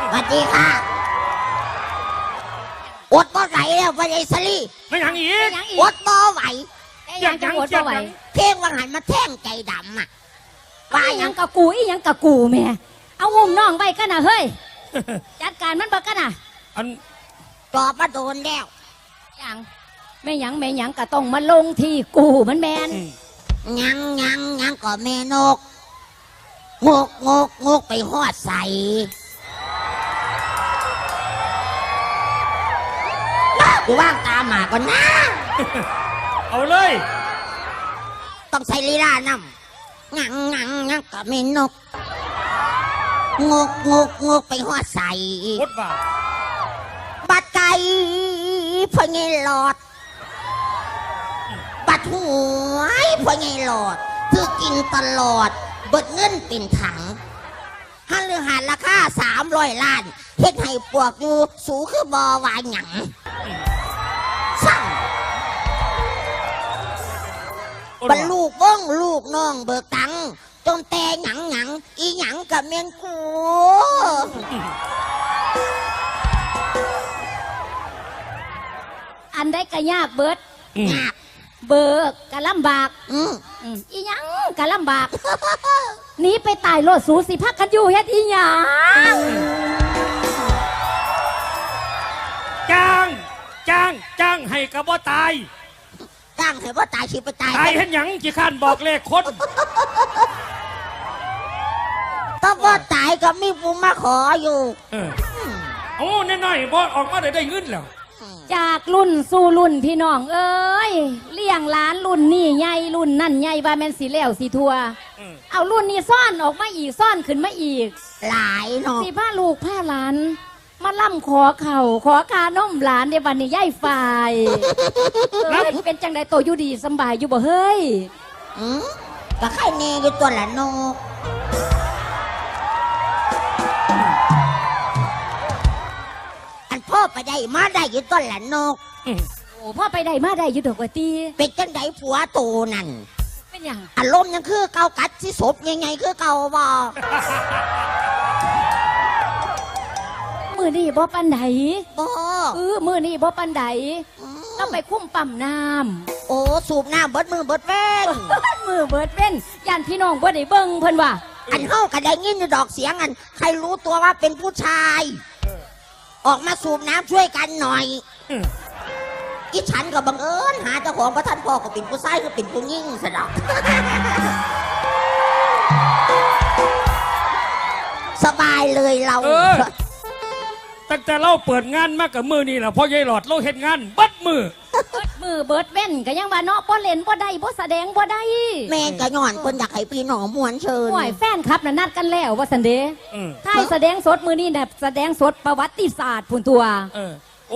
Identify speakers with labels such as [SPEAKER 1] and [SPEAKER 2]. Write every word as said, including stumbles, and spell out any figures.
[SPEAKER 1] สวัสดีค่ะอดบ่ไหวแล้ววันไอ้สลี
[SPEAKER 2] ไม่ยังอีก
[SPEAKER 1] อดบ่ไหว
[SPEAKER 3] ยังจะอดบ่ไหว
[SPEAKER 1] เพลงวังหันมาแท่งใจดำอ่ะ
[SPEAKER 3] ว่ายังกะกูอียังกะกูแม่เอาอุ้มน้องไว้กันนะเฮ้ยจัดการมันบ่กันนะ
[SPEAKER 2] อัน
[SPEAKER 1] ตอบมาโดนแล้ว
[SPEAKER 3] ยังไม่ยังไม่ยังกะต้องมาลงที่กูมันแมน
[SPEAKER 1] ยังยังยังก็แม่นกงกงกงกไปหอดใส่กูว่างตาหมาก่อนนะ
[SPEAKER 2] เอาเลย
[SPEAKER 1] ต้องใส่ลีลานำงังงังงังก็แม่นกงกงกงกไปหอดใส่บัดไก่พอไงหลอดบัดหวยพอไงหลอดคือกินตลอดเบิดเงินเป็นถังฮันเรือหาราคาสามร้อยล้านเฮ็ดให้ปวกอยู่สูคือบอวายหยังสั่งบรรลูกบ้องลูกน้องเบิกตังจนแต่หยังหยังอีหยังกับเมียนกู
[SPEAKER 3] อันได้กะยากเบิด
[SPEAKER 1] ยาก
[SPEAKER 3] เบิกกะลำบาก
[SPEAKER 1] อืม
[SPEAKER 3] อีหยังกะลำบากหนีไปตายโลดสูสิพักกันอยู่เฮ็ดอีหยัง
[SPEAKER 2] จ้างจ้างจ้างให้กระบ่ตาย
[SPEAKER 1] จ้างให้ว่าตายสิไปตาย
[SPEAKER 2] ตายเห็นหยังจีข้านบอกเลขคน
[SPEAKER 1] ก็ว่าตายก็มีผู้มาขออยู่
[SPEAKER 2] โอ้แน่นอนบอออกมาได้ได้เงินแล้ว
[SPEAKER 3] จากรุ่นสู่รุ่นพี่น้องเอ้ยเลี้ยงหลานรุ่นนี่ใหญ่รุ่นนั่นใหญ่ว่าแม่นสีแล้วสีทัวเอารุ่นนี้ซ่อนออกมาอีกซ่อนขึ้นมาอีก
[SPEAKER 1] หลายเนาะ
[SPEAKER 3] สีผ้าลูกผ้าหลานมาล่ำขอเข่าขอกาน้มหลานในวันนี้ย่ายฝ่ายเอ้ยเป็นจังใดโตอยู่ดีสบายอยู่บ่เฮ้ย
[SPEAKER 1] อืมก็ใครเนยอยู่ตัวละนกพ่อไปได้มาได้อยู่ต้นละนก
[SPEAKER 3] โอ้พ่อไปได้มาได้อยู่ดอกว่าตี
[SPEAKER 1] เป็นจังไดผัวโตนั่น
[SPEAKER 3] เป็นยัง
[SPEAKER 1] อารมณ์ยังคือเกากัดที่ศพยังไงคือเกาบ่
[SPEAKER 3] มือนี่บ่ปันได
[SPEAKER 1] บ่
[SPEAKER 3] เออมือนี่บ่ปันไดต้องไปคุ้มปั๊มน้
[SPEAKER 1] ำโอ้สูบน้ำเบิดมือเบิดเว้น
[SPEAKER 3] มือเบิดเว้นย่านพี่น้องบ่ได้เบิ่งเพิ่นว่า
[SPEAKER 1] อันเฮาก็ได้ยินอยู่ดอกเสียงอันใครรู้ตัวว่าเป็นผู้ชายออกมาสูบน้ำช่วยกันหน่อยอีฉันก็บังเอิญหาเจ้าของพระท่านพ่อก็เป็นผู้ชายก็เป็นผู้ยิ่งสะดอกสบายเลยเรา
[SPEAKER 2] ตั้งแต่เราเปิดงานมากับมือนี่แหละพ่อยายหลอดเราเห็นงานบัดมือ
[SPEAKER 3] เบิดมือเบิดเว้นก็ยังว่าเนาะบ่เล่นบ่ได้บ่แสดงบ่ได้
[SPEAKER 1] แม่ก็ย้อนคนอยากให้พี่น้องม่วนเชิญ
[SPEAKER 3] ห่วยแฟนครับน่ะนัดกันแล้วว่าซั่นเด้ถ้าแสดงสดมือนี่น่ะแสดงสดประวัติศาสตร์พุ่นตัว